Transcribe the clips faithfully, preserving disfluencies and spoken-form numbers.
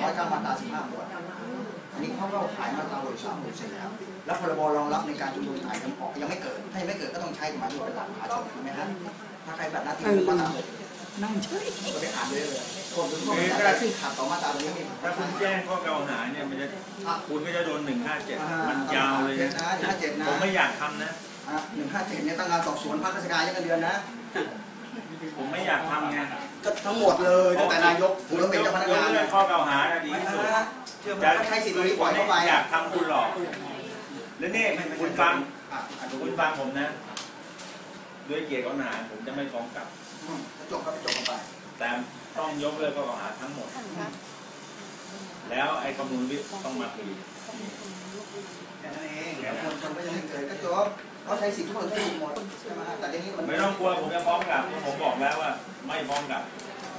อยเก้ามาตราสิบห้าหมวดอันนี้เขาก็ขายมาตราหกสามหกสี่แล้วแล้วพรบรองรับในการชุมนุมถ่ายทำออกยังไม่เกิดถ้ายังไม่เกิดก็ต้องใช้กฎหมายเป็นหลักมหาชนถูกไหมฮะถ้าใครแบบหน้าที่มาตราหกนั่งเฉยก็ไปอ่านเลยเลยคนทุกคนแต่ซึ่งขัดต่อมาตราตรงนี้มีถ้าคุณแจ้งข้อกล่าวหาเนี่ยมันจะคุณก็จะโดนหนึ่งห้าเจ็ดมันยาวเลยนะผมไม่อยากทำนะหนึ่งห้าเจ็ดเนี่ยตั้งงานสอบสวนพักราชการยังเดือนนะผมไม่อยากทำไงก็ทั้งหมดเลยตั้งแต่นายกถึงรถเป็นเจ้าพนักงานเรื่องข้อกล่าวหาดีที่สุดจะใช้สิทธิ์ตรงนี้ปล่อยเข้าไปอยากทำคุณหรอกแล้วนี่คุณฟังคุณฟังผมนะด้วยเกียรติข้อหาผมจะไม่ฟ้องกลับจบก็จบกันไปแต่ต้องยกเลิกข้อกล่าวหาทั้งหมดแล้วไอ้ข้อมูลวิต้องมาคุยแค่นั้นเองแล้วคนคนก็ยังไม่เกิดก็จบเขาใช้สิทธิ์ทุกคนได้หมดใช่ไหมแต่เดี๋ยวนี้มันไม่ต้องกลัวผมจะฟ้องกลับผมบอกแล้วว่าไม่ฟ้องกลับ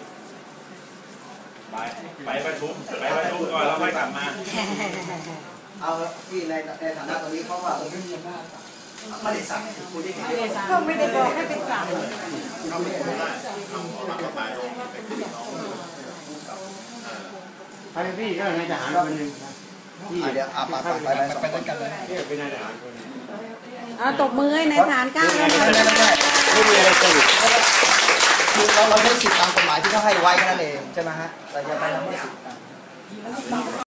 ไปไปประชุมไปประชุมก่อนแล้วค่อยกลับมาเอาที่ในในฐานะตรงนี้เขาว่าไม่มีอำนาจไม่ได้สั่งคุณได้ก็ไม่ได้บอกให้เป็นกลางเราไม่ได้ไปพี่ก็นายทหารคนหนึ่งที่เดี๋ยวอาไปไปไปไปด้วยกันเลยนี่เป็นนายทหารคนนึงเอาตบมือให้นายทหารก้าวแล้วนะไม่มีอะไรสรุปคือเราเราใช้สิทธิตามกฎหมายที่เขาให้ไว้แค่นั้นเองใช่ไหมฮะเราจะไปทำให้สิทธิ